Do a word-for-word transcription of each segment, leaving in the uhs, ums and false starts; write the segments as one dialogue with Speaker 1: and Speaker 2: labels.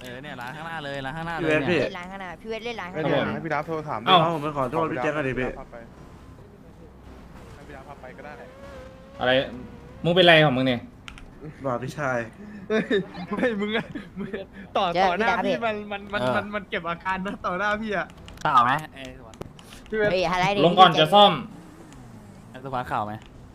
Speaker 1: อเนี่ยร้านข้างหน้าเลยร้านข้างหน้าเล
Speaker 2: พี่
Speaker 1: ย
Speaker 2: เวทพี่
Speaker 1: เนี่ย
Speaker 3: เล่นร้านข้างหน้าพี่เวทเล่นร้าน
Speaker 4: ไม่
Speaker 3: ข้างห
Speaker 4: เดี๋ยว
Speaker 3: น้า
Speaker 4: ให้พี่ดับโทรถาม
Speaker 2: เอ้าผมไปขอโทษพี่แจ็คกันดิพี่
Speaker 4: ให้พี่ดับพาไปก็ได้
Speaker 5: อะไรมึงเป็นไรของมึงเนี่ย
Speaker 2: บอกพี่ชาย
Speaker 6: ไม่มึงอะมึงต่อต่อหน้าพี่มันมันมันมันมันเก็บอาการนะต่อหน้าพี่อะ
Speaker 1: ข่าวไหมไอ้สวัสดิ์
Speaker 6: พี่เวท
Speaker 3: เฮ้ยอะไรดิ
Speaker 5: ลงก่อนจะซ่อม
Speaker 1: ไอ้สวัสดิ์ข่าวไหม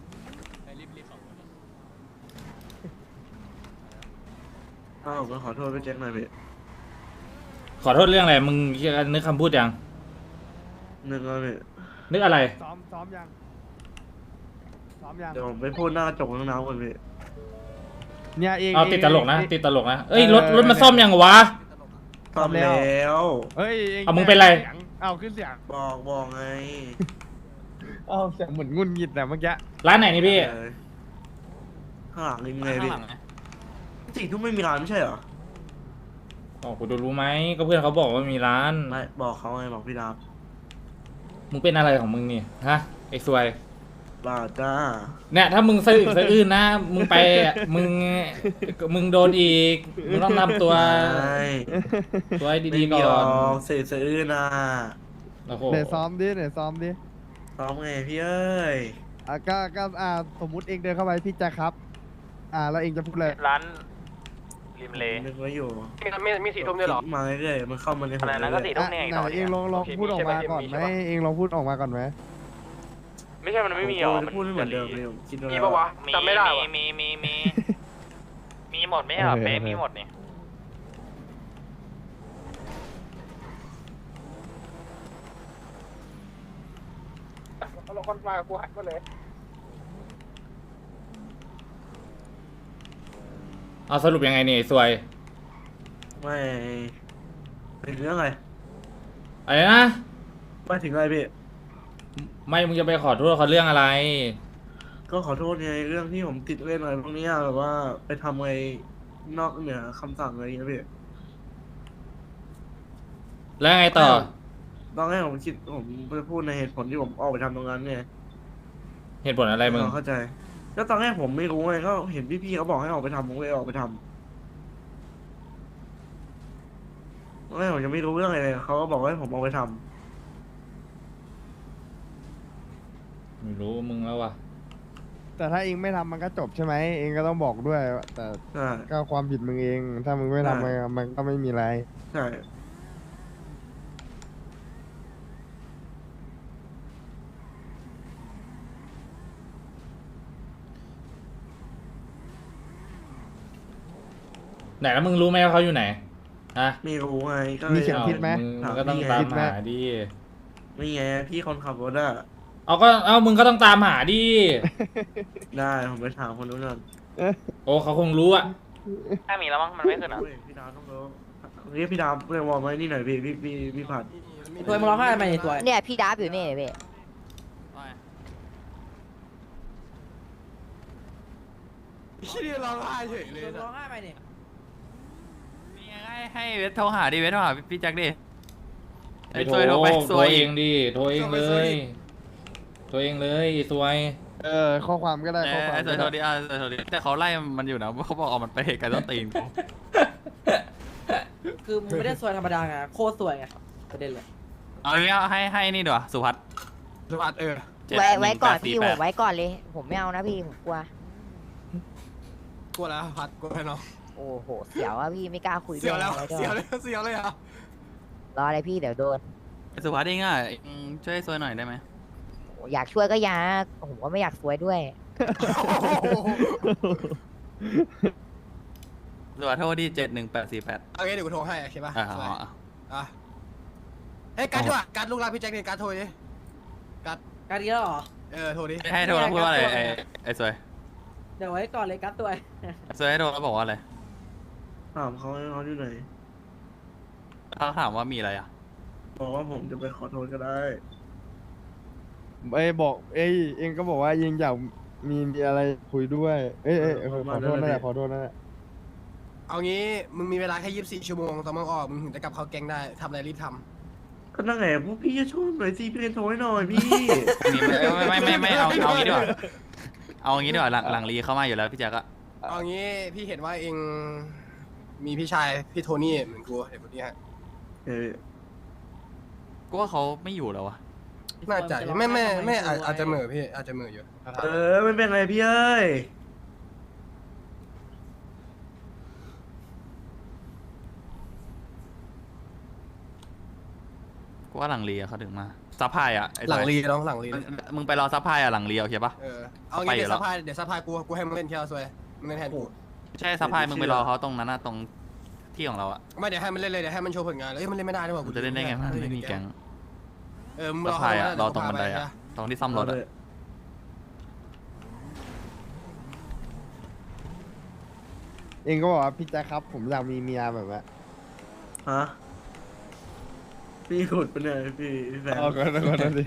Speaker 2: เอ้าผมไปขอโทษพี่แจ็คหน่อยพี่
Speaker 5: ขอโทษเรื่องอะไรมึงนึกคำพูดยัง
Speaker 2: นึกว่าพี่
Speaker 5: นึกอะไร
Speaker 6: ซ้อมซ้อมยังซ้อมยัง
Speaker 2: เดี๋ยวผมไปพูดหน้ากระจกข้างน้ำก่อนพี่
Speaker 6: เนี่ยเอง
Speaker 5: เอาติดตลกนะ
Speaker 6: เอง
Speaker 5: ติดตลกนะเอ้ยรถรถมาซ่อมยังวะ
Speaker 2: ซ่อมแล้ว
Speaker 6: เฮ้ยเอง
Speaker 5: เอามึงเป็นไร
Speaker 6: เอาขึ้นเสียง
Speaker 2: บอกบอกไง
Speaker 6: เอาเสียงเหมือนงุนงิดแต่เมื่อกี้
Speaker 5: ร้านไหนนี่พี่
Speaker 2: เออข้างหลังนี่ไง
Speaker 1: ข้าง
Speaker 2: พี่
Speaker 1: หลังไง
Speaker 2: สี่ทุ่มไม่มีร้านไม่ใช่เหรอ
Speaker 5: อ๋อกูจะรู้ไหมก็เพื่อนเขาบอกว่ามีร้าน
Speaker 2: ไม่บอกเขาไงบอกพี่ดับ
Speaker 5: มึงเป็นอะไรของมึงนี่ฮะไอ้ซวย
Speaker 2: บ้าจ้า
Speaker 5: เนี่ยถ้ามึงสะอึกสะอื้นนะมึงไปอ่ะมึงมึงโดนอีกมึงต้องทำตัว
Speaker 2: ใช่
Speaker 5: ตัวให้
Speaker 2: ไม่
Speaker 5: ดี
Speaker 2: มี
Speaker 5: ๆก่
Speaker 2: หร
Speaker 5: อ
Speaker 2: อน กเศษสะอื้นอ่ะ
Speaker 5: โอ้โห
Speaker 6: เดี๋ยวซ้อมดิเดี๋ยวซ้อมดิ
Speaker 2: ซ้อมไงพี่เอ้ย
Speaker 6: อ่ะก็ก็อ่าสมมุติเองเดินเข้าไปพี่แจ็คครับ อ่าแล้วเองจะพูดเลย
Speaker 7: ร้านริมเล
Speaker 2: นึกไว้อยู่
Speaker 7: มีมีสี่ทุ่มด้วยเหรอ
Speaker 2: มาเรื่อยๆมันเข้ามาในหัว
Speaker 7: อะไรนะก็สี่
Speaker 6: อ่ะไหนเองลองลองพูดออกมาก่อนไหมเองลองพูดออกมาก่อนไหม
Speaker 7: ไม่ใช่มันไม่มีหรอ
Speaker 2: ผมพูดไม่เหมือนเดิมเลยผมคิดว่า
Speaker 7: มีปะวะจำไม่ได้มีมีมีมีมีหมดไหมอ่ะ
Speaker 6: โอเค
Speaker 7: เป๊ะ
Speaker 6: โอเค
Speaker 7: มีหมดนี่
Speaker 6: เราคนมากูหักมาเลย
Speaker 5: เอาสรุปยังไงนี่ไอ้ซวย
Speaker 2: ไม่ถึงเรื่องอะไร
Speaker 5: อะไรนะ
Speaker 2: ไม่ถึงอะไรพี่
Speaker 5: ไม่มึงจะไปขอโทษเขาเรื่องอะไร
Speaker 2: ก็ขอโทษไงเรื่องที่ผมติดเล่นอะไรพวกเนี้ยแบบว่าไปทำอะไรนอกเหนือคำสั่งอะไรอย่างเงี้ยพี่
Speaker 5: แล้วไงต่อ
Speaker 2: ตอนแรกผมคิดผมจะพูดในเหตุผลที่ผมออกไปทำตรงนั้นไง
Speaker 5: เหตุผลอะไรมึง
Speaker 2: เข้าใจก็ตอนแรกผมไม่รู้ไงก็เห็นพี่ๆเขาบอกให้ออกไปทำผมก็เลยออกไปทำตอนแรกผมยังไม่รู้เรื่องอะไรเลยเขาก็บอกให้ผมออกไปทำ
Speaker 5: ไม่รู้มึงแล้ววะ
Speaker 6: แต่ถ้าเองไม่ทำมันก็จบใช่ไหมเองก็ต้องบอกด้วย แต่
Speaker 2: ใช่
Speaker 6: ก็ความผิดมึงเอง ถ้ามึงไม่ทำมันมันก็ไม่มีอะไร
Speaker 2: ใช่
Speaker 5: ไหนแล้วมึงรู้ไหมว่าเขาอยู่ไหนฮะ
Speaker 2: ไม่รู้ไงก็
Speaker 6: มี
Speaker 2: เลย
Speaker 6: เข็มทิศไหม
Speaker 5: มึงมึงก็ต้องตามหาดิ
Speaker 2: นี่ไงพี่คนขับรถอะ
Speaker 5: เอาก็เอามึงก็ต้องตามหาดิ
Speaker 2: ได้ผมไปถามคนนู้นก่อน
Speaker 5: โอ้เขาคงรู้อะ
Speaker 7: ถ้ามีแล้วมั้งมันไม่ขึ้นอ่ะ
Speaker 2: เฮ้ยพี่ดาวต้องรู้เรียกพี่ดาวเรียกวอร์มไว้นี่หน่อยพี่พี่พี่พี่ผัด
Speaker 8: ตัวมึงร้องไห้ทำไมเนี่ยตัว
Speaker 3: เนี่ยพี่ดับอยู่นี่พี่
Speaker 6: พี่ร้องไห้เฉยเลย
Speaker 8: มึงร้องไห้ทำไมเนี่ย
Speaker 1: นี่ไงให้ให้เวทโทรหาดิเวทโทรหาพี่แจ็คดิ
Speaker 5: ไป
Speaker 1: ไอ้
Speaker 5: โท
Speaker 1: ซ
Speaker 5: ร
Speaker 1: วยโทรไปซ
Speaker 5: โทร
Speaker 1: วย
Speaker 5: เองดิโทรเองเลยโทรเองเลยไอ้ซวย
Speaker 6: เออข้อความก็ได้
Speaker 1: เอ
Speaker 6: ข้อ
Speaker 1: อ
Speaker 6: ความ
Speaker 1: ไอ้ซ
Speaker 6: ก็
Speaker 1: วยโทร
Speaker 6: ได้
Speaker 1: ดิอ่ะซวยโทรดิแต่เขาไล่มันอยู่นะเขาบอกเอามันไปไกลต้นตีนกู
Speaker 8: คือมึงไม่ได้สวยธรรมดาไงโคตรสวยไงประเด็นเลย
Speaker 1: เอาอย่างเงี้ยให้ให้นี่ดีกว่าสุพัฒน์
Speaker 6: สวัสดเออ
Speaker 1: เจ็ด
Speaker 3: ไว้ไว้ก่อน
Speaker 1: หงแปดสี่
Speaker 3: พี่
Speaker 1: แป
Speaker 3: ผ
Speaker 1: ด
Speaker 3: มไว้ก่อนเลย ผมไม่เอานะพี่ผมกลัว
Speaker 6: กลัวแล้วพัดกลัวแล้วเนาะ
Speaker 3: โอ้โหเสียวอะพี่ไม่กล้าคุยด้วย
Speaker 6: เสียวแล้ว
Speaker 3: อะไรด้
Speaker 6: เสียว
Speaker 3: วย
Speaker 6: เลยเสียวเลยอ่ะ
Speaker 3: รออะไรพี่เดี๋ยวโดน
Speaker 1: ไอ้สุพัฒน์เองอ่ะอืมช่วยซวยหน่อยได้ไหม
Speaker 3: โอ้อยากช่วยก็อยากผมก็ไม่อยากสวยด้วย
Speaker 1: สุพัฒน์โทรดิเจ็ดหนึ่งแปดสี่แปด
Speaker 6: โอเคเดี๋ยวกูโทรให้โอเคป่ะ
Speaker 1: อ่า
Speaker 6: สวย
Speaker 1: เอาเอา
Speaker 6: อ่ะเฮ้ยการดดีกว่าการดลูกรักพี่แจ็คเนี่ยการดโทรดิ
Speaker 8: การดีแล้วเหรอ
Speaker 6: เออโทรดิ
Speaker 1: ให้โทรแล้วพูดว่าอะไรไอ้ไอ้ซวย
Speaker 8: เดี๋ยวไว้ก่อนเลยกัดตัว
Speaker 1: ไอ้ซวยให้โทรแล้วบอกว่าอะไร
Speaker 2: ถามเขาให้เขาอยู่ไหน
Speaker 1: เขาถามว่ามีอะไรอ่ะ
Speaker 2: บอกว่าผมจะไปขอโทษก็ได้
Speaker 6: เอ้ยบอกเอ้ยเองก็บอกว่ายังอยากมีมีอะไรคุยด้วย เอ้ยเอ้ยขอขอโทษนั่นแหละขอโทษนั่นแหละ
Speaker 9: เอางี้มึงมีเวลาแค่ยี่สิบสี่ชั่วโมงตอนมึงออกมึงถึงจะกลับเข้าแก๊งได้ทำอะไรรีบท
Speaker 2: ก็นั่งไงพวกพี่จะช่วยหน่อยสิพี่เล่นโทรให้หน่อยพี่
Speaker 1: ไม่ไม่ไม่ไม่เอาเอางี้ดีกว่าเอางี้ดีกว่าหลังหลังรีเข้ามาอยู่แล้วพี่แจ็คอะ
Speaker 9: ำเอางี้พี่เห็นว่าเองมีพี่ชายพี่โทนี่เหมือนกูเด็กคนนี้ฮะ
Speaker 2: เออ
Speaker 1: กูว่าเขาไม่อยู่แล้ววะ
Speaker 9: น่าจะไม่ไม่ไม่อาจอาจจะเหม่อพี่อาจจะเหม่ออยู่
Speaker 2: เออไม่เป็นไรพี่เอ้ย
Speaker 1: กูว่าหลังเรียเขาถึงมาซัพพลายอ่ะไอ้
Speaker 9: หลัง
Speaker 1: ทอย
Speaker 9: รีน้องหลังรี
Speaker 1: มึงมึงไปรอซัพพลายอ่ะหลังเรียโอเคปะ
Speaker 9: เออเอา
Speaker 1: ไป
Speaker 9: งี้
Speaker 1: อยู่
Speaker 9: เดี๋ยว
Speaker 1: แล้
Speaker 9: ซั
Speaker 1: ว
Speaker 9: พพลายเดี๋ยวซัพพลายกูกูให้มึงเล่นเที่ยวซวยมึงเล่นแทนกู
Speaker 1: ใช่ซัพพลายมึงไปรอเขาตรงนั้นนะตรงที่ของเราอ่ะ
Speaker 9: ไม่เดี๋ยวให้มันเล่นเลยเดี๋ยวให้มันโชว์ผลงานเอ้ยมันเล่นไม่ได้ด้วยว่ะ
Speaker 1: กูจะเล่นได้ไงมันไม่มีแก๊ง
Speaker 9: เออมึง
Speaker 1: ซั
Speaker 9: ร
Speaker 1: พ
Speaker 9: อ
Speaker 1: พลาย
Speaker 9: เขา
Speaker 1: อ่ะรอตรงบันไดอ่ะตรงที่ซ่อมรถอ่ะ
Speaker 6: เองก็บอกว่าพี่แจ๊คครับ ผมอยากมีเมียแบบว่า
Speaker 2: ฮะพี่ขุดปะเนี่ยพี่พี่แฟน
Speaker 6: เอาก่อนก่อนดิ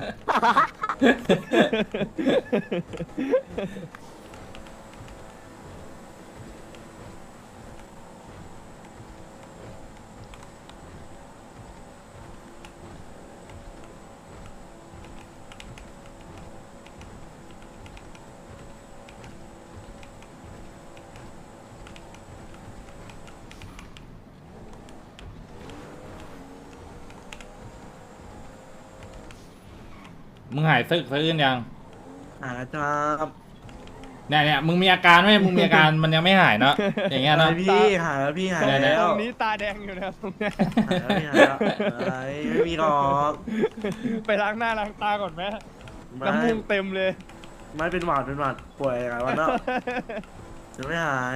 Speaker 5: มึงหายซึกสะอื้นยัง
Speaker 2: หาครับ
Speaker 5: เนี่ยเนี่ยมึงมีอาการไหมมึงมีอาการมันยังไม่หายเนาะอย่างเงี้ยเนาะ
Speaker 2: หาพี่หาแล้วพี่หา
Speaker 5: ได้
Speaker 2: แล้
Speaker 6: ต
Speaker 2: ว
Speaker 6: รงนี้ตาแดงอยู่นะตรงเนี้ย
Speaker 2: หาแล้วพี่หาแล้วอะไรไม่มีหรอก
Speaker 6: ไปล้างหน้าล้างตาก่อนไหม
Speaker 2: ไม่
Speaker 6: น้ำมูกเต็มเลย
Speaker 2: ไม่เป็นหวัดเป็นหวัดป่วยหลายวันแล้วจะไม่หาย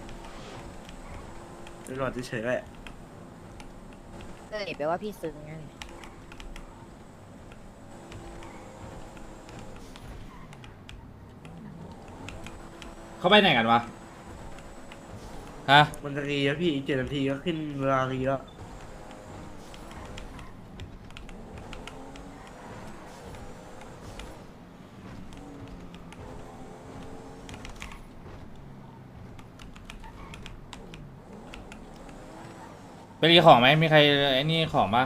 Speaker 2: เป็นหวัดเฉยๆแหละ
Speaker 3: เออแปลว่าพี่ซึ้งไง
Speaker 5: เขาไปไหนกันวะฮะ
Speaker 2: มันจะรีแล้วพี่อีกเจ็ดนาทีก็ขึ้นเวลารีแล้ว
Speaker 5: ไปรีของไหมมีใครไอ้นี่ของปะ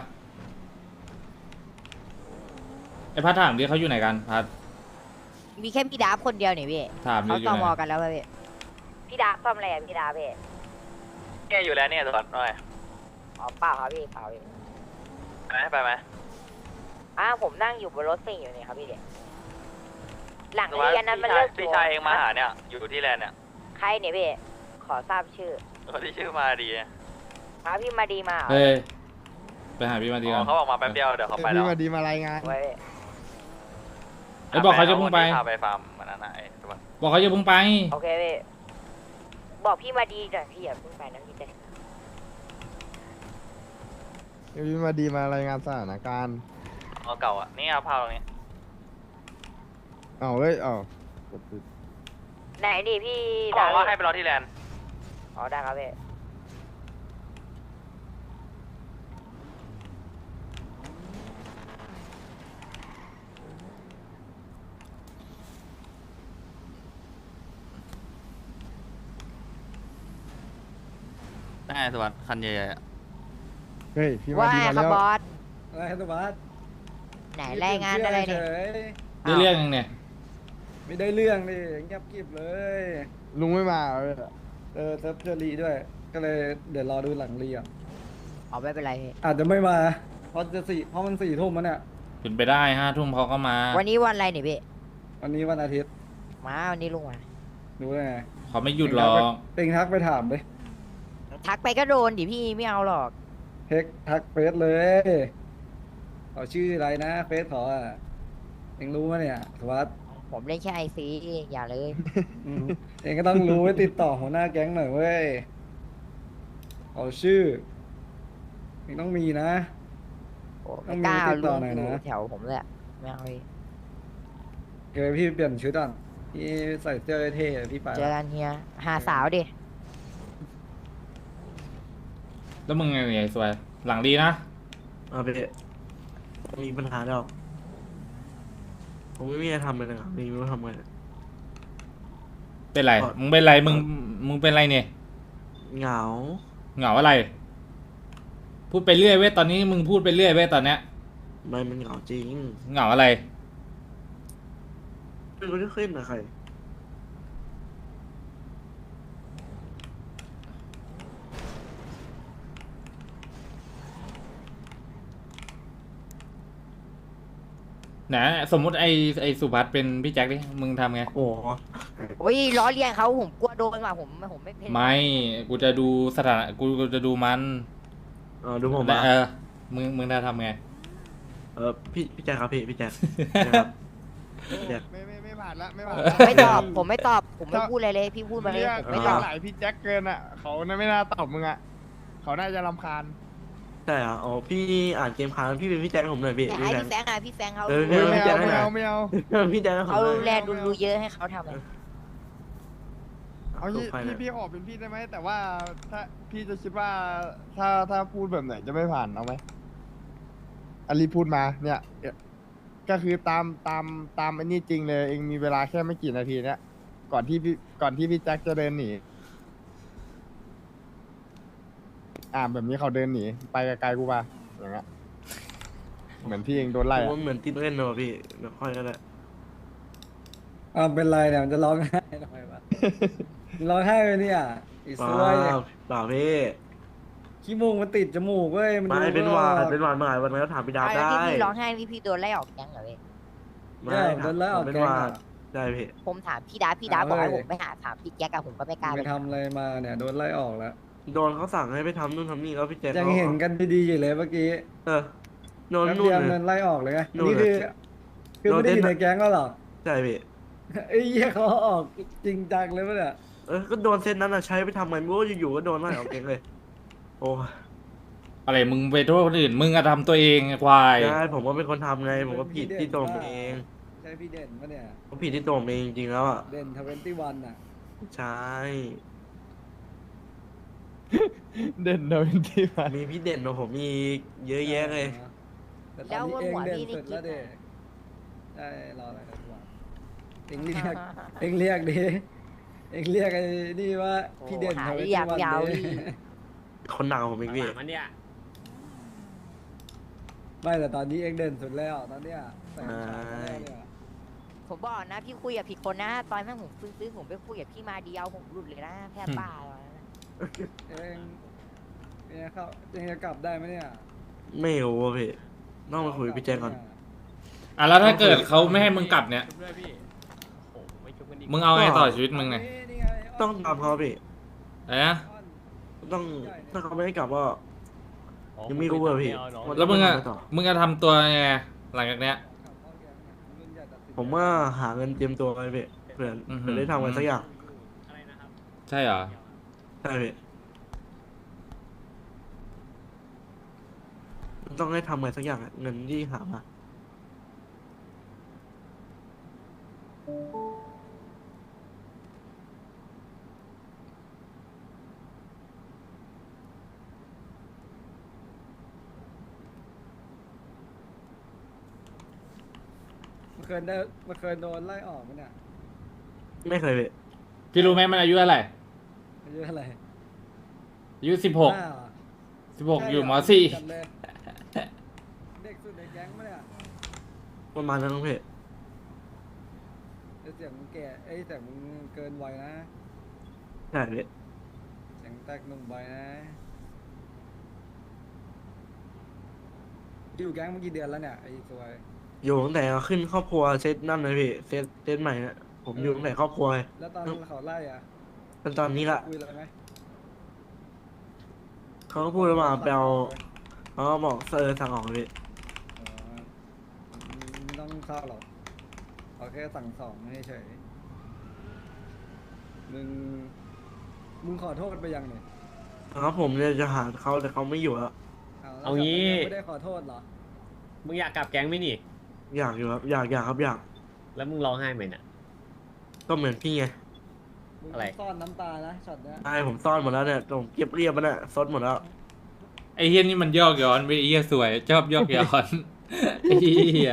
Speaker 5: ไอ้พัดถามดิเขาอยู่ไหนกันพัด
Speaker 3: มีแค่พี่ดาบคนเดียวนี่พี่
Speaker 5: ถามดิ
Speaker 3: เขา
Speaker 5: อยู่
Speaker 3: ตอ
Speaker 5: ไห
Speaker 3: ม
Speaker 5: น
Speaker 3: อกันแล้วป่ะพี่พี่ดาบซ่อมอะไรอ่ะพี่ดาบพี่
Speaker 1: เนี่ยอยู่แล้วเนี่ยตลอดหน่อย
Speaker 3: อ๋อเปล่าครับพี่เปล่าพี่
Speaker 1: ไปไหมไปไหม
Speaker 3: อ้าวผมนั่งอยู่บนรถซิ่งอยู่นี่ครับพี่เด็กหลังเรียนนั้นมันเลิก
Speaker 1: พี่ชายเองมาหาเนี่ยอยู่ที่แลนด์เนี่ย
Speaker 3: ใครเนี่ยพี่ขอทราบชื่อ
Speaker 1: คนที่ชื่อมาดี
Speaker 3: มาพี่มาดีมาเหรอ
Speaker 5: เฮ้ยไปหาพี่มาดีกัน
Speaker 1: เขาบอกมาแป๊บเดียวเดี๋ยวเขาไปแล้ว
Speaker 6: พี่มาดีมารายงาน
Speaker 3: ไว้พี่
Speaker 5: ไอ้บอกเขาจะพุ่งไป
Speaker 1: พาไปฟาร์มมันนั่นไอ้ตัว
Speaker 5: บอกเขาจะพุ่งไป
Speaker 3: โอเคพี่บอกพี่มาดีหน่อยพี่อย่าเพิ่งไปนะพี่เด็ก
Speaker 6: พี่มาดีมารายงานสถานการณ์
Speaker 1: เอาเก่าอ่ะนี่ครับพาตรงนี้
Speaker 6: เอาเฮ้ยเอากดปิด
Speaker 3: ไหนดิพี่
Speaker 1: เขาบอกว่าให้ไปรอที่แลนด์
Speaker 3: อ๋อได้ครับพี่
Speaker 1: ได้ไงสวัสดิ์คันใหญ่ๆอะ
Speaker 6: เฮ้ยพี่มา
Speaker 3: ว่า
Speaker 6: ดี
Speaker 3: ไง
Speaker 6: มา
Speaker 3: ครับ
Speaker 6: แล้ว
Speaker 3: บอส
Speaker 8: อะไรสวัสด
Speaker 3: ไหนรายงานอะไรเนี่ย
Speaker 5: ได้เรื่องยังเนี่ย
Speaker 8: ไม่ได้เรื่องดิเงียบกริบเลย
Speaker 6: ลุงไม่มาเหรอ
Speaker 8: เออเซิร์ฟเจอรีด้วย ก็เลยเดี๋ยวรอดูหลังรีอ่ะ
Speaker 3: อ๋อไม่เป็นไรพี่
Speaker 8: อาจจะไม่มา เพราะจะสี่เพราะมันสี่ทุ่มมันเนี่ย
Speaker 5: เป็นไปได้ห้าทุ่มเขาก็มา
Speaker 3: วันนี้วันอะไรเนี่ยพี่
Speaker 8: วันนี้วันอาทิตย์
Speaker 3: มาวันนี้ลุงมา
Speaker 8: ดูได้ไง
Speaker 5: เขาไม่หยุดหรอก
Speaker 8: เต็งทักไปถามเลย
Speaker 3: ทักไปก็โดนดิพี่ไม่เอาหรอก
Speaker 8: เทคทักเฟซเลยเขาชื่ออะไรนะเฟซเขาอ่ะเองรู้ไหมเนี่ยสวัสด
Speaker 3: ผมเล่นแค่ไอซีอย่าเลย
Speaker 8: อืมเองก็ต้องรู้ไว้ติดต่อหัวหน้าแก๊งหน่อยเว้ยเขาชื่อเองต้องมีนะ
Speaker 3: โอ้
Speaker 8: ต้
Speaker 3: ไม่
Speaker 8: องมี
Speaker 3: กล้าเอา
Speaker 8: ติดต่
Speaker 3: ลุ
Speaker 8: อง หน่อย
Speaker 3: อยู่
Speaker 8: นะ
Speaker 3: แถวผมเลยอะไม่เอาพี่
Speaker 8: เดี๋ยวพี่เปลี่ยนชุดก่อนพี่ใส่เสื้อเท่ๆพี่ไป
Speaker 3: เจอกันเฮียหาสาวดิ
Speaker 5: แล้วมึงไงเนี่ยสวย หลังดีนะ
Speaker 2: เอาไปเลยมีปัญหาแล้วผมไม่มีอะไรทำเลยนะครับมีไม่รู้ทำไง
Speaker 5: เป็นไร มึงเป็นไร มึง มึงเป็นไรเนี่ย
Speaker 2: เหงา
Speaker 5: เหงาอะไร พูดไปเรื่อยเว้ย ตอนนี้มึงพูดไปเรื่อยเว้ยตอนเนี้ย
Speaker 2: ไม่มันเหงาจริง
Speaker 5: เหงาอะไร
Speaker 2: ไม่รู้จะขึ้นนะใคร
Speaker 5: นะสมมุติไอไอสุภัสเป็นพี่แจ็คดิมึงทำไง
Speaker 2: โอ้โห
Speaker 3: โอ้ยล้อเลียนเขาผมกลัวโดนว่ะผมผมไม่เพ่น
Speaker 5: ไม่กูจะดูสถานะกูจะดูมัน
Speaker 2: เออดูผม
Speaker 5: แต่
Speaker 2: มา
Speaker 5: เออมึงมึงจะทำไง
Speaker 2: เออพี่พี่แจ๊คครับพี่พี่แจ๊คพี่แจ๊คครับพี่แจ๊ค
Speaker 6: ไม่ไม่ไม่ผ่านละไม่ผ่าน
Speaker 3: ไม่ตอบผมไม่ตอบผมไม่พูดอะไรเลยพี่พูดมาเลยผมไม่ตอบ
Speaker 6: หลายพี่แจ็คเกินอ่ะเขาน่าไม่น่าตอบมึงอ่ะเขาน่าจะรำคาญ
Speaker 2: ใช่เหรออ๋อพี่อ่านเกมค้างพี่เป็นพี่แจ๊คให้ผมหน่อยพี่
Speaker 3: แต่
Speaker 2: พี่
Speaker 3: ให้
Speaker 2: แจ๊ค
Speaker 3: พี่แฟงอะพี่แฟงเขา
Speaker 2: เออ
Speaker 6: ไม่
Speaker 2: ไม่
Speaker 6: เอา
Speaker 2: เอา
Speaker 6: ไม่เอาไม่เอา
Speaker 2: พี่แจ๊คให้ผม
Speaker 3: เขา
Speaker 2: หน่อย
Speaker 3: แลดูดูเยอะให้เขาทำอะ
Speaker 6: เอางี้
Speaker 2: ใคร
Speaker 6: พี่
Speaker 2: เนี่ย
Speaker 6: พี่ขอเป็นพี่ได้ไหมแต่ว่าถ้าพี่จะคิดว่าถ้าถ้าพูดแบบไหนจะไม่ผ่านเอาไหมอลีพูดมาเนี่ยก็คือตามตามตามอันนี้จริงเลยเองมีเวลาแค่ไม่กี่นาทีเนี่ยก่อนที่พี่ก่อนที่พี่แจ็คจะเดินหนีอ่าแบบนี้เขาเดินหนีไปไกลๆกูมาอย่างเงี้ยเหมือนพี่เองโดนไล่
Speaker 2: ผม
Speaker 6: อะ
Speaker 2: ว่าเหมือนติดเล่นเนอะพี่เดี๋ยวค่อยก็ได้
Speaker 8: อ้าวเป็นไรเนี่ยมันจะร้องไห้ทำไมวะร้องไห้เลยเนี่ยอี
Speaker 2: เป
Speaker 8: ซ
Speaker 2: ล่า
Speaker 8: วย
Speaker 2: เปล่าพี่
Speaker 8: ขี้มูกมันติดจมูกเว้ยมัน
Speaker 2: ไม่
Speaker 8: ดู
Speaker 2: เป็น
Speaker 8: ไม่
Speaker 2: ห
Speaker 8: อ
Speaker 2: วา
Speaker 8: อ
Speaker 2: ด
Speaker 8: ก
Speaker 2: เป็นหวาดเมื่อไหร่วันนั้นก็ถามพี่ดาว
Speaker 3: แล้ว
Speaker 2: ได้
Speaker 3: ที่พี่ร้องไห้นี่พี่โดนไล่ออกแก๊งเหรอพี่
Speaker 2: ไม่
Speaker 8: ใช่
Speaker 2: ถาม
Speaker 8: โดนไล่ออก
Speaker 2: เป็น
Speaker 8: แก๊
Speaker 2: ห
Speaker 8: ง
Speaker 2: วา
Speaker 8: อะ
Speaker 2: ดได้พี่
Speaker 3: ผมถามพี่ดาพี่ดา
Speaker 8: ถาม
Speaker 3: บอกให้
Speaker 8: เลย
Speaker 3: ผมไปหาถามพี่แจ๊กอะผมก็ไม่กล้า
Speaker 8: ไป
Speaker 3: ไป
Speaker 8: ทำอะไรมาเนี่ยโดนไล่ออกแล้ว
Speaker 2: โดนเขาสั่งให้ไปทำนู่นทำนี่แล้วพี่แจ๊ค
Speaker 8: ยัง
Speaker 2: ขา
Speaker 8: เห็นกันดีๆอยู่เลยเมื่อกี้
Speaker 2: เออโดน
Speaker 8: แป๊บ
Speaker 2: นู่น
Speaker 8: เดียว
Speaker 2: เล
Speaker 8: เงิ
Speaker 2: ย
Speaker 8: นไล่ออกเลยไง
Speaker 2: นู่น
Speaker 8: นี่
Speaker 2: เลย
Speaker 8: คือคือไม่ได้อยู่
Speaker 2: โดนเต้น
Speaker 8: ในแก๊งแล้วเหรอ
Speaker 2: ใช่พี่
Speaker 8: ไอ้เหี้ยเขาออกจริงจังเลยปะเนี่ย
Speaker 2: เออก็โดนเส้นนั้นอะใช้ไปทำไงไม่รู้อยู่ๆก็โดนไล่ออกเองเลย โอ้
Speaker 5: อะไรมึงไปโทษคนอื่นมึงอะทำตัวเองไอ้ควาย
Speaker 2: ใช่ผมก็เป็นคนทำไงผมก็ผิดที่ตัวผมเอง
Speaker 8: ใช่พี่เด่นปะเนี่ย
Speaker 2: ผมผิดที่ตัวผมเองจริงๆแล้วอ่ะ
Speaker 8: เด่นทเวนตี้วันอ่ะ
Speaker 2: ใช่
Speaker 6: เด่นเดินที่มา
Speaker 2: มีพี่เด่นกว่าผมมีเยอะแยะเลย
Speaker 8: แต่ตอนนี้เองเด่นสุดแล้วเด็ใช่รออะไรกันวะเองเรียกเองเรียกดิเองเรียกไอ้นี่ว่าพี่เด่น
Speaker 3: โอ้
Speaker 8: ท
Speaker 3: หา
Speaker 8: เวน
Speaker 3: เรี
Speaker 8: ตี้
Speaker 3: ยก
Speaker 8: วัน
Speaker 3: ยาว
Speaker 8: ดิ
Speaker 3: พี่
Speaker 2: คนหนักกว่าผมอีกพี่
Speaker 7: มันเนี่ย
Speaker 8: ไม่แต่ตอนนี้เองเด่นสุดแล้วตอนเนี้ยแต่งฉากแล้วเนี่ย
Speaker 3: ผมบอกนะพี่คุยกับผิดคนนะ ตอนนั้นผมซื้อซื้อผมไปคุยกับพี่มาเดียวผมหลุดเลยนะแพทย์บ้าเลยนะ
Speaker 8: เองเองเข้าเองจะกลับได้ไหมเนี่ย
Speaker 2: ไม่รู้อะพี่ต้องมาคุยกับพี่แจ๊คก่อน
Speaker 5: อ่ะแล้วถ้าเกิดเขาไม่ให้มึงกลับเนี่ย
Speaker 7: ด้วยพี่โอ้โหไม่ชุบกันดี
Speaker 5: มึงเอาไงต่อชีวิตมึงเนี่ย
Speaker 8: นี่ไง
Speaker 2: ต้องตามเขาพี่
Speaker 5: อะไรนะ
Speaker 2: ต้องถ้าเขาไม่ให้กลับก็ยังไม่รู้อะพี่า
Speaker 5: แล้วมึงอะ
Speaker 2: ทำไต่
Speaker 5: มึงจะทำตัวไงหลังจากเนี้ย
Speaker 2: ผมว่าหาเงินเตรียมตัวไปพี่เผื่อ
Speaker 5: อือฮึ
Speaker 2: เผื่อได้ทำอะไรสักอย่าง
Speaker 7: อะไรนะครับ
Speaker 5: ใช่เหรอ
Speaker 2: ใช่พี่ต้องให้ทำอะไรสักอย่างอะเงินที่หามา
Speaker 8: เมื่อคืนได้เมื่อคืนโดนไล่ออกไหมเนี่ย
Speaker 2: ไม่เคยพี่
Speaker 5: พี่รู้ไหมมันอายุเท่าไหร่
Speaker 8: อายุเท่าไหร่
Speaker 5: อายุสิบหก
Speaker 8: ห้าเหรอ
Speaker 5: สิบหกอยู่มสี่
Speaker 8: จัดเลยเด็กสุดในแก๊งปะเนี่ย
Speaker 2: ประมาณนั้นพี่
Speaker 8: แต่เสียงมึงแก่เอ้ยแต่มึงเกินวัยนะ
Speaker 2: ใช่พี่
Speaker 8: เสียงแตกหนุ่มวัยนะอยู่แก๊งมากี่เดือนแล้วเนี่ยไอ้สวย
Speaker 2: อยู่ตั้งแต่ขึ้นครอบครัวเซตนั่นเลยพี่เซตเซตใหม่นะผมอยู่ตั้งแต่ครอบครัวเลย
Speaker 8: แล้วตอนเขาไล่อ่ะ
Speaker 2: จนตอนนี้ละ
Speaker 8: คุยอะไรไหม
Speaker 2: เขาก็พูดมาไปเอาเขาก็บอกเซอร์สั่งออกเลยพี่
Speaker 8: อ๋อไม่ต้องเข้าหรอกเอาแค่สั่งสองให้เฉยมึงมึงขอโทษไปยังเนี่ย
Speaker 2: ครับผมเนี่ยจะหาเขาแต่เขาไม่อยู่แล้ว
Speaker 8: เอาแล้ว
Speaker 7: เอางี้
Speaker 8: ไม่ได้ขอโทษเหรอ
Speaker 7: มึงอยากกลับแก๊งไหมนี่
Speaker 2: อยากอยู่ครับอยากอยากครับอยาก
Speaker 7: แล้วมึงร้องไห้ไหมเนี่ย
Speaker 2: ก็เหมือนพี่ไง
Speaker 8: มึง
Speaker 7: อะไร
Speaker 8: ซ่อนน้ำตานะช็อตเนี้ย
Speaker 2: ใช่ผมซ่อนหมดแล้วเนี่ยผมเก็บเรียบมันน่ะซดหมดแล้ว
Speaker 5: ไอ้เฮียนี่มันยอกย้อนไปไอ้เฮียสวยชอบยอกย้อน ไอ้เฮีย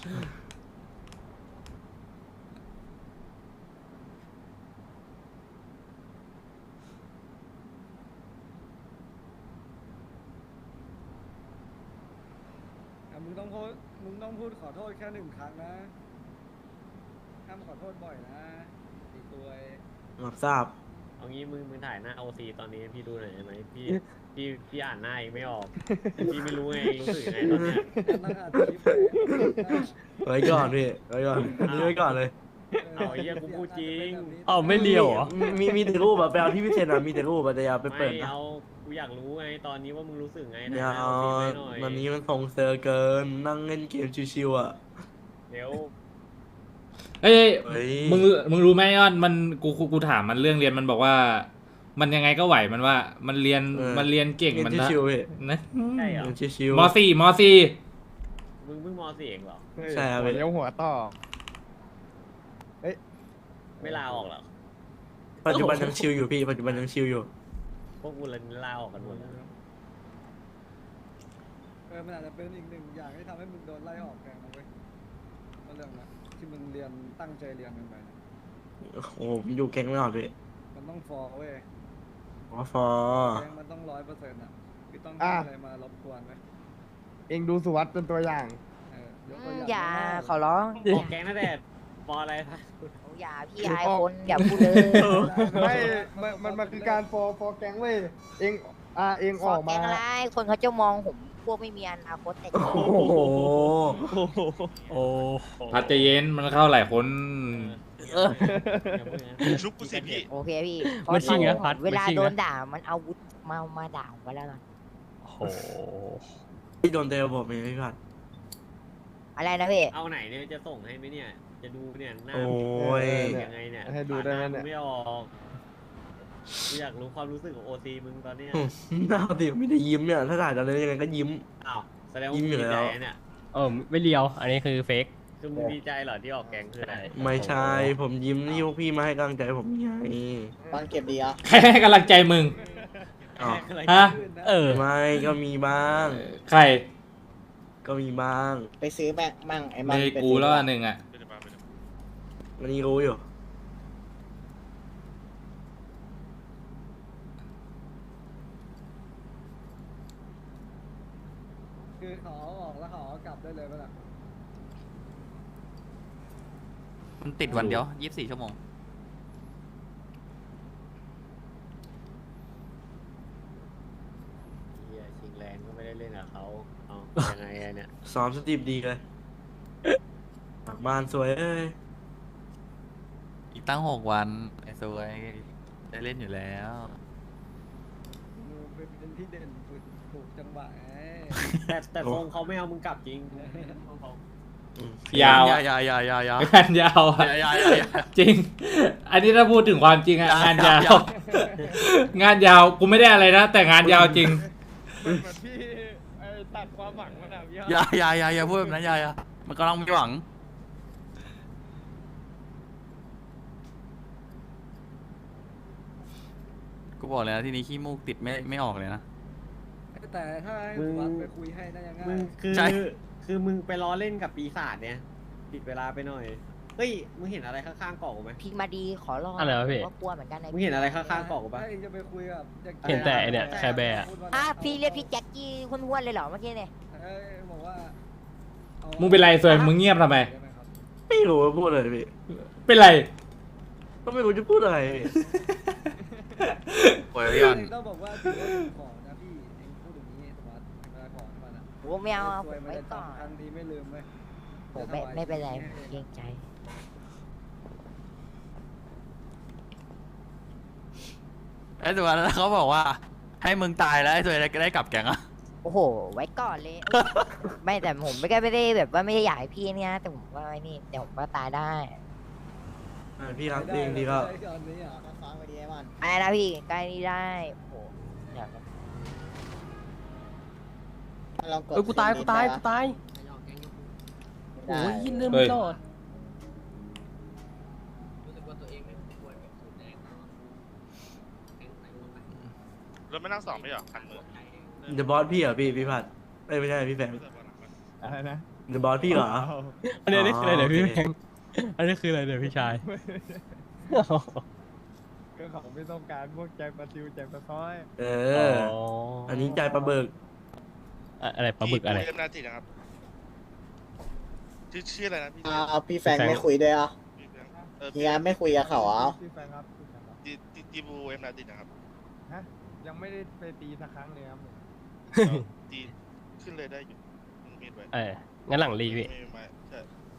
Speaker 8: อ่ะมึงต้องพูดมึงต้องพูดขอโทษแค่หนึ่งครั้งนะห้ามขอโทษบ่อยนะตีตัว
Speaker 2: รับทราบ
Speaker 7: เอางี้มึงมึงถ่ายหน้าโอซีตอนนี้ให้พี่ดูหน่อยได้ไหมพี่พี่พี่อ่านหน้าเองไม่ออกพี่ไม่รู้ไงรู้สึกยังไงตอนเนี้ย
Speaker 8: นั่งอ่านคลิปเลย
Speaker 2: ไว้ก่อนพี่ไว้ก่อนอันนี้ไว้ก่อนเลย
Speaker 7: เอาไอ้เหี้ยกูพูดจริง
Speaker 1: อ้าวไม่เลียวเหรอ
Speaker 2: มีมีมีแต่รูปอะไปเอาที่พี่เซนอะมีแต่รูปอะแต่อย่าไป
Speaker 7: ไม่
Speaker 2: เปิดนะ
Speaker 7: เอากูอยากรู้ไงตอนนี้ว่ามึงรู้สึกไง
Speaker 2: อย่า
Speaker 7: นะ
Speaker 2: เอา
Speaker 7: เอาฟีดไว้หน่อย
Speaker 2: วันนี้มันส่งเซอร์เกินนั่งเล่นเกมชิวๆอะ
Speaker 7: เดี๋ยว
Speaker 5: เอ้ย
Speaker 2: เฮ้ย
Speaker 5: มึงมึงรู้ไหมยอดมันกูกูกูถามมันเรื่องเรียนมันบอกว่า มันยังไงก็ไหวมันว่า มันเรียนมันเรียนเก่ง
Speaker 2: เล่
Speaker 5: มัน
Speaker 2: น
Speaker 5: นะ
Speaker 2: ชิวๆพี่
Speaker 5: นะ
Speaker 7: ใช่เหรอ
Speaker 2: เล่นชิว
Speaker 5: มสี่มสี่
Speaker 7: มึงเพิ่งมสี่เองเหรอ
Speaker 2: ใช่ครับ
Speaker 6: หัวเลี้ยวหัวต่อ
Speaker 7: ไม่ลาออกเหรอ
Speaker 2: ๆปัจจุบันยังชิวอยู่พี่ปัจจุบันยังชิวอยู่
Speaker 7: พวกกูเลยลาออกกันหมดแล้ว
Speaker 8: เออมันอาจจะเป็นอีกหนึ่งอย่างที่ทำให้มึงโดนไล่ออกแกงนะเว้ยก็เรื่องนะที่มึงเรียนตั้งใจเรียนกันไปนะ
Speaker 2: โอ้โหผมอยู่แก๊งไม่ออกพี่
Speaker 8: มันต้องฟอร์เว้ย
Speaker 2: อ๋อฟอ
Speaker 8: แกงมันต้องร้อยเปอร์เซ็นต์อ่ะคือต้อง
Speaker 6: อ่ะ
Speaker 8: ทำอะไรมารบกวนไหม
Speaker 6: เองดูสุวัสด์เป็นตัวอย่าง
Speaker 8: เออยก
Speaker 3: อื
Speaker 8: ตัว
Speaker 3: ม
Speaker 8: อย่าง
Speaker 3: อย่า
Speaker 8: ง่ายๆ
Speaker 3: ขอร้อง
Speaker 7: ออกแก๊งนั่นแหละปออะไรคะ
Speaker 3: อย่าพี่อายคนอย่าพูดเลย
Speaker 6: ไม่มันมันมันคือการฟอร์ฟอร์แก๊งเว้ยเองอ่าเอง
Speaker 3: ฟ
Speaker 6: อ
Speaker 3: อ
Speaker 6: อก
Speaker 3: แก
Speaker 6: มา
Speaker 3: งอะไรคนเขาจะมองผมพวกไม่มีอนาคตแต่จริง
Speaker 2: โอ้โห
Speaker 1: โอ้
Speaker 5: พัดใจเย็นมันเข้าหลายคน
Speaker 7: อย่าพูดอย่างนั้น
Speaker 4: ชุบกูสิพี่
Speaker 3: โอเคพี่
Speaker 1: ไม่ชิงนะพัด
Speaker 3: เวลา
Speaker 1: ไม่ชิงนะ
Speaker 3: โดนด่ามันเอาวุธมามาด่าผมก็แล้วกัน
Speaker 1: โอ้โห
Speaker 2: พี่โดนเตะผมเองพี่ผัด
Speaker 3: อะไรนะพี่
Speaker 7: เอาไหนเนี่ยจะส่งให้ไหมเนี่ย จะดูเนี่ยหน้า
Speaker 2: โอ้ย
Speaker 7: ยังไงเนี่ย
Speaker 6: ให้ดูได้ไหม
Speaker 7: ผ่า
Speaker 6: เนี่ย
Speaker 7: น้าไม่ออกกูอยากรู้ความรู้สึกของโอซีมึงตอนเนี้ย
Speaker 2: หน้าดิไม่ได้ยิ้มเนี่ยถ้าถ่ายจะเลยยังไงก็ยิ้ม
Speaker 7: อ้าวแสดงว่า
Speaker 2: ยิ้
Speaker 7: มึ
Speaker 2: ม
Speaker 7: ง
Speaker 2: อยู่
Speaker 7: ดี
Speaker 2: แล้
Speaker 7: ใจ
Speaker 2: ว
Speaker 7: เนี่ย
Speaker 1: เออไม่เลียว อันนี้คือเฟก
Speaker 7: คือมึงดีใจเหรอที่ออกแก๊งคืออะไร
Speaker 2: ไม่ใช่ผมยิ้มที่พวกพี่มาให้กำลังใจผมไง
Speaker 3: ตอนเก็บดีอ่ะ
Speaker 5: ใครให้กำลังใจมึง
Speaker 2: อ๋อ
Speaker 5: ฮะ
Speaker 1: เออ
Speaker 2: ไม่ก็มีบ้าง
Speaker 5: ใคร
Speaker 2: ก็มีบ้าง
Speaker 3: ไปซื้อแม่มั่งไอ้มั
Speaker 5: เล
Speaker 3: น
Speaker 5: ยกูแล้วอันหนึ่งอ่ะ
Speaker 2: วันนี้รู้อยู่
Speaker 8: คือขอออกแล้วขอกลับได้เลยป่ะล่ะ
Speaker 1: มันติดวันเดียวยี่สิบสี่ชั่วโมง
Speaker 7: เฮียชิงแรงก็ไม่ได้เล่นกับเขาเอายังไงอะเนี่ย
Speaker 2: ซ้อมสตรีมดีเลยกลับบ้านสวยเอ้ย
Speaker 1: อีกตั้งหกวันไอ้สวยได้เล่นอยู่แล้ว
Speaker 8: มึงเป็นที่เด่นฝึกถูกจังหวะไง
Speaker 7: แต่แต่ทรงเขาไม่เอามึงกลับจริง
Speaker 2: อืม
Speaker 5: ยาว
Speaker 1: อย่า
Speaker 5: อะ
Speaker 1: อย่าอย่าอย่าอย่าง
Speaker 5: านยาวอะ
Speaker 1: อย่าอย่าอย่า
Speaker 5: จริง อันนี้ถ้าพูดถึงความจริงอะงานยาว งานยาวกูไม่ได้อะไรนะแต่งานยาวจริง
Speaker 6: เหมือนพี่ไอ้ตัดความหวังมันอะพี่
Speaker 1: อย่าอย่าอย่าอย่าพูดแบบนั้นอย่าอย่ามันกำลังมีหวัง กูบอกเลยนะที่นี้ขี้มูกติดไม่ไม่ออกเลยนะ
Speaker 8: แต่ถ้าให้
Speaker 7: มึง
Speaker 8: วัดไปคุยให้น่าจะง่า
Speaker 7: มึ
Speaker 8: ย
Speaker 7: งคือ
Speaker 1: ใช่
Speaker 7: คือมึงไปล้อเล่นกับปีศาจเนี่ยปิดเวลาไปหน่อย เฮ้ย มึงเห็นอะไรข้างๆเกาะกูไหม
Speaker 3: พี่มาดีขอร้อง
Speaker 1: อะไรวะพี่
Speaker 3: ว่ากลัวเหมือนกันนะ
Speaker 7: มึงเห็นอะไรข้างๆเกาะกูปะ
Speaker 8: ถ้าเองจะไปคุยกับด็ก
Speaker 1: เห็นแต่ไอ้เนี่ยแคร์แบร์อะ
Speaker 3: อ่ะพี่เรียกพี่แจ็คกี้ห้วนๆเลยเหรอเมื่อกี้เนี่ย
Speaker 8: เอ้ยบอกว่าอา
Speaker 5: มึงเป็นไรสวยมึงเงียบทำไม
Speaker 8: ด้หครับ
Speaker 2: ไม่รู้ว่าพูดอะไรพี่
Speaker 5: เป็นไร
Speaker 2: ก็ไม่รู้จะพูดอะไรพี่
Speaker 1: โอ้ยพี่อัน
Speaker 8: เองต้องบอกว่าถือว่าเป็นของนะพี่เองพูดอย่างนี้สมาร์ทเวลาของมันอะ
Speaker 3: โอ้ไม่เอาเอาผ
Speaker 8: ซวย
Speaker 3: ม
Speaker 8: มัน
Speaker 3: ไว้
Speaker 8: จะ
Speaker 3: ก่อน
Speaker 8: จำครั้งนี้ไม่ลืมไหม
Speaker 3: ผมไม่ไม่เป็นไรผมเกรงใจ
Speaker 1: ไอ้ตัวนั้นเขาบอกว่า ให้มึงตายแล้วไอ้ตัวได้ได้กลับแกงอะ
Speaker 3: โอ้โห ไว้ก่อนเลย ไม่แต่ผมไม่ได้ไม่ได้แบบว่าไม่ได้อยากให้พี่เนี่ยแต่ผมว่าไอ้นี่เดี๋ยวผมก็ตายได้
Speaker 2: อ่าพี่รักจริงดีก็
Speaker 8: ได้ตอนนี้อ่ะ
Speaker 3: อะไรนะพี่ใกล้นี้ได้โอ้โหเดี๋ยวนะ
Speaker 10: เอ้ยกูตายกูตายกูตายโอ้ยยินเรื่องไม่รอด
Speaker 4: รถไม่นั่งสองไม่หรอคันมือ
Speaker 2: เดอะบอสพี่เหรอพี่พี่ผัดเอ้ยไม่ใช่พี่แฟม
Speaker 6: อะไรนะ
Speaker 2: เดอะบอสพี่เหรอ
Speaker 1: อันนี้อันนี้คืออะไรเดี๋ยวพี่
Speaker 2: โอ
Speaker 1: แพ
Speaker 2: เค
Speaker 1: งอันนี้คืออะไรเดี๋ยวพี่ชาย
Speaker 6: ก็เขาไม่ต้องการพวกใจปลาซิวใจปลาซ้อย
Speaker 2: เออ อันนี้ใจปลาเบิก
Speaker 1: อะไรปลาบึกอะไร
Speaker 4: เอ็มนาตินะครับชื่อชื่ออะไรนะพี่
Speaker 10: อ่าพี่แฟงไม่คุยด้วยอ่ะ
Speaker 4: เออ
Speaker 10: เฮียไม่คุยกับเขาอ่ะ
Speaker 6: พี่แฟนครับพี่แฟนครับ
Speaker 4: จีจีจีบูเอ็มนาตินะครับ
Speaker 6: ฮะยังไม่ได้ไปตีสักครั้งเลยครับผม
Speaker 4: ตีขึ้นเลยได้อยู่มึงมีดไว้
Speaker 10: เอองั้นหลังรีพี่
Speaker 4: ไม่มีไม้ใช่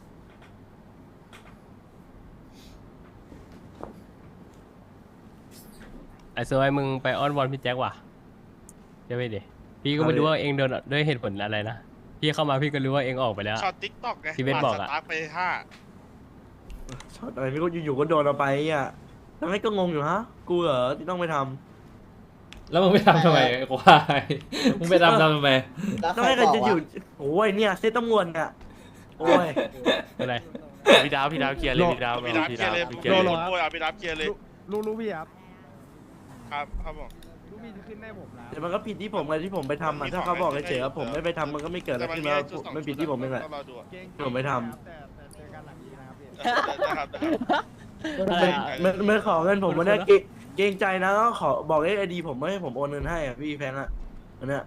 Speaker 10: ไอ้ซวยมึงไปอ้อนวอนพี่แจ็คว่ะใช่ไหมดิพี่ก็ไม่รู้ว่าเองโดนด้วยเหตุผลอะไรนะพี่เข้ามาพี่ก็รู้ว่าเองออกไปแล้ว
Speaker 4: ช็อตติ๊กต็อกไง
Speaker 10: ที่เบสบอกอะ
Speaker 4: ปาดสตาร์ทไปห้า
Speaker 2: ช็อตอะไรไม่รู้อยู่ๆก็โดนเอาไปอ่ะแล้วไม่ก็งงอยู่ฮะกูเหรอที่ต้องไปทำ
Speaker 5: แล้วมึงไปทำทำไมไอ้ควายมึงไปทำทำไม
Speaker 2: แล้วไม่เคยจะอยู่โอ้ยเนี่ยเซตตำรวจเนี่ยโอ้ย
Speaker 10: อะไร
Speaker 1: พี่ดาวพี่ดาวเคลียร์เลยพี่ดาว
Speaker 4: พี่ดับเคลียร์เลย
Speaker 1: พี่
Speaker 4: เค
Speaker 1: เค
Speaker 4: ลี
Speaker 1: ลี
Speaker 4: ย
Speaker 1: ย
Speaker 4: ร์
Speaker 1: ร์
Speaker 4: เล
Speaker 1: เลย ย
Speaker 4: โอ้ยเอาพี่ดับเคลียร์เลย
Speaker 6: รู้รู้พี่ครับ
Speaker 4: ครับครับผม
Speaker 6: รู้พี่จะขึ้นได้ผมนะ
Speaker 2: แต่มันก็ผิดที่ผมไงที่ผมไปทำอ่ะถ้าเขาบอกเฉยๆว่าผมไม่ไปทำมันก็ไม่เกิดอะไรขึ้นแล้วไม่ผิดที่ผมเองแหละ
Speaker 4: ต้องรอดูอะ
Speaker 6: เกรง
Speaker 2: ผมไม่ทำ
Speaker 6: แต่แต่เจอกันหลังนี้นะครับพี่
Speaker 4: นะครับนะครับ
Speaker 2: มันมันมันขอเงินผมมันได้เกรงเกรงใจนะก็ขอบอกเลขไอดีผมไม่ให้ผมโอนเงินให้อ่ะพี่แฟงอ่ะอันเนี้ย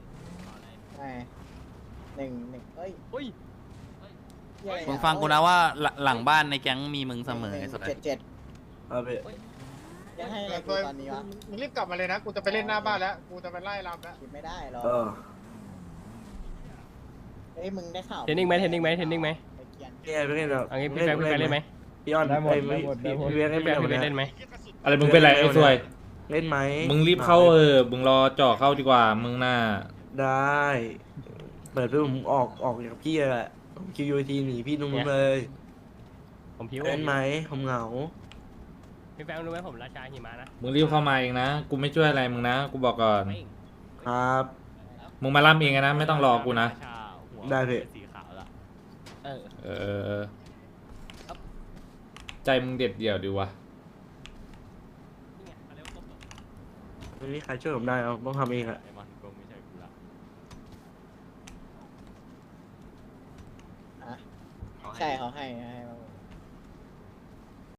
Speaker 3: หนึ่งหนึ่งเอ้ย
Speaker 6: อุ้ย
Speaker 1: มึงฟังกูนะว่าหลังหลังบ้านในแก๊งมีมึงเสมอไอ้สุด
Speaker 3: เจ็ดเจ็ด
Speaker 2: เอาไป
Speaker 3: ยังให้อะไรกูตอนนี้วะ
Speaker 6: มึงรีบกลับมาเลยนะ กูจะไปเล่นหน้าบ้านแล้ว กูจะไปไล่รำแล้ว
Speaker 3: คิดไม่ได้หรอ
Speaker 2: เออ
Speaker 3: เอ้ยมึงได้ข่าว
Speaker 10: เทรนนิ่งไหมเทรนนิ่งไหมเทรนนิ่งไหม
Speaker 3: ไปเกียน
Speaker 2: เนี่ยไปเล่นแบบ
Speaker 10: เอางี้พี่แฟงพี่แฟงเล่นไหม
Speaker 2: พี่ออน
Speaker 6: ได้หมด
Speaker 2: อ้ย
Speaker 6: ได้หมดได้หมด
Speaker 2: พี่พี่เวียน
Speaker 10: พี่แฟ
Speaker 2: เล่
Speaker 10: ง
Speaker 2: น
Speaker 10: พี่
Speaker 2: ไหม
Speaker 10: เล่นไหม
Speaker 5: อะไรมึงเป็นไรไอ้ซวย
Speaker 2: เล่นไหม
Speaker 5: มึงรีบเข้าเออมึงรอเจาะเข้าดีกว่ามึงน่ะ
Speaker 2: ได้เปิดเพื่อผมออกออกจากพี่แหละคิวยูทีหนีพี่นุ่มเลย
Speaker 10: ผมพิว
Speaker 2: เล่นไหมผมเหงา
Speaker 10: พี่แฟงรู้ไหมผมราชาหิมะนะ
Speaker 5: มึงรีบเข้ามาเองนะกูไม่ช่วยอะไรมึงนะกูบอกก่อน
Speaker 2: ครับ
Speaker 5: มึงมาล่ำเองนะไม่ต้องรอกูนะ
Speaker 2: ได้พี่
Speaker 1: สีขาวละ
Speaker 10: เออ
Speaker 5: เออเออใจมึงเด็ดเดี่ยวดีวะ
Speaker 2: ไม่มีใครช่วยผมได้เอาต้องทำเองอะ
Speaker 1: ไอ้มันคงไม่ใช่กูละ
Speaker 3: ใช่เขาให้ให้มา